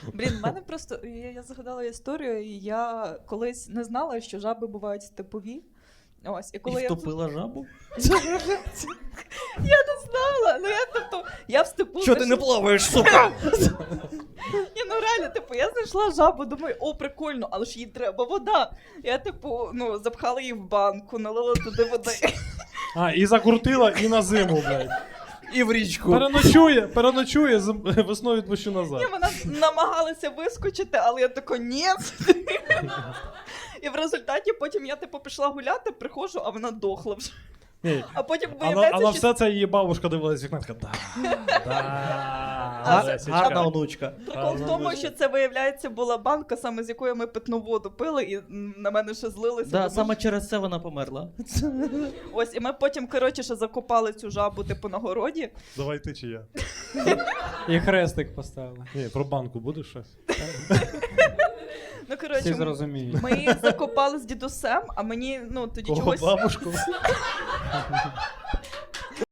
Блін, в мене просто, я згадала історію, і я колись не знала, що жаби бувають степові. Ось, і коли І я втопила жабу? Я не знала, ну я в степу. Що ти не плаваєш, сука? Ні, ну реально, я знайшла жабу, думаю, о, прикольно, але ж їй треба вода. Я, запхала її в банку, налила туди води. А, і закрутила, і на зиму, блядь. І в річку. Переночує, весною відпущу назад. Ні, вона намагалася вискочити, але я така, ні. І в результаті потім я, пішла гуляти, приходжу, а вона дохла вже. Ні. А потім А виявляється, на що... все це її бабушка дивилась вікна, така, Гарна онучка. Прикол в тому, що це, виявляється, була банка, саме з якої ми питну воду пили, і на мене ще злилися. Да, тому саме через це вона померла. Ось, і ми потім, ще закопали цю жабу, на городі. Давай ти чи я? І хрестик поставили. Ні, про банку будеш щось? Ну, Всі зрозуміють. ми її закопали з дідусем, а мені, тоді Кого чогось... бабушку?